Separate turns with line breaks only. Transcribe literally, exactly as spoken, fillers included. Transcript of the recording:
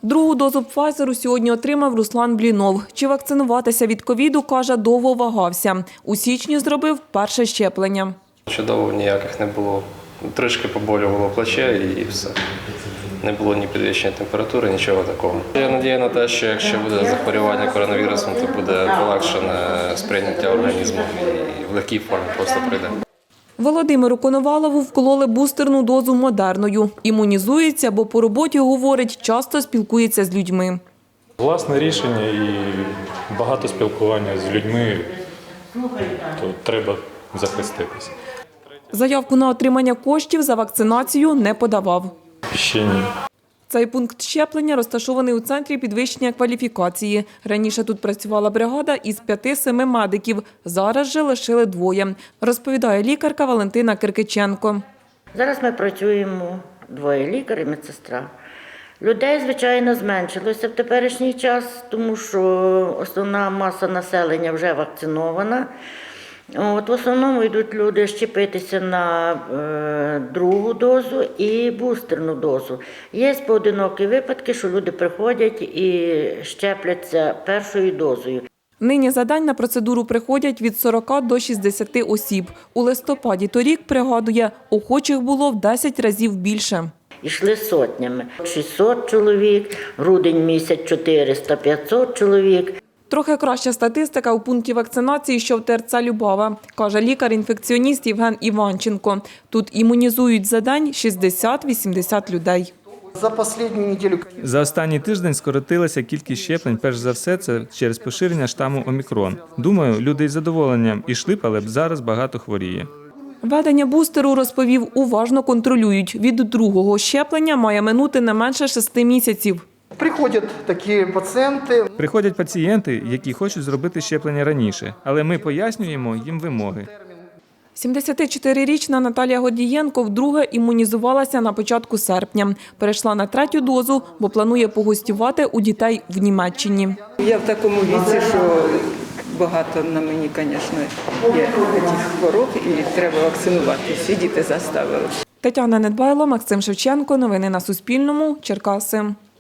Другу дозу Пфайзеру сьогодні отримав Руслан Блінов. Чи вакцинуватися від ковіду, каже, довго вагався. У січні зробив перше щеплення.
Чудово, ніяких не було. Трішки поболювало плече і все. Не було ні підвищення температури, нічого такого. Я надію на те, що якщо буде захворювання коронавірусом, то буде полегшене сприйняття організму і в легкій формі просто прийде.
Володимиру Коновалову вкололи бустерну дозу Модерною. Імунізується, бо по роботі, говорить, часто спілкується з людьми.
Власне рішення і багато спілкування з людьми, то треба захиститися.
Заявку на отримання коштів за вакцинацію не подавав.
Ще ні.
Цей пункт щеплення розташований у центрі підвищення кваліфікації. Раніше тут працювала бригада із п'яти-семи медиків. Зараз же лишили двоє, розповідає лікарка Валентина Киркиченко.
Зараз ми працюємо двоє – лікар і медсестра. Людей, звичайно, зменшилося в теперішній час, тому що основна маса населення вже вакцинована. От, в основному йдуть люди щепитися на е, другу дозу і бустерну дозу. Є поодинокі випадки, що люди приходять і щепляться першою дозою.
Нині за день на процедуру приходять від сорока до шістдесяти осіб. У листопаді торік, пригадує, охочих було в десять разів більше.
Йшли сотнями. шістсот чоловік, грудень місяць чотириста-п'ятсот чоловік.
Трохи краща статистика у пункті вакцинації, що в ТРЦ Любава, каже лікар-інфекціоніст Євген Іванченко. Тут імунізують за день шістдесят-вісімдесят людей.
За останню неділю
За останній тиждень скоротилася кількість щеплень, перш за все, це через поширення штаму Омікрон. Думаю, люди із задоволенням ішли б, але б зараз багато хворіє.
Введення бустеру, розповів, уважно контролюють. Від другого щеплення має минути не менше шести місяців.
приходять такі пацієнти.
Приходять пацієнти, які хочуть зробити щеплення раніше, але ми пояснюємо їм вимоги.
сімдесятичотирирічна Наталія Годієнко вдруге імунізувалася на початку серпня. Перейшла на третю дозу, бо планує погостювати у дітей в Німеччині.
Я в такому віці, що багато на мені, звісно, є таких хвороб і треба вакцинуватися. І діти заставили.
Тетяна Недбайло, Максим Шевченко. Новини на Суспільному. Черкаси.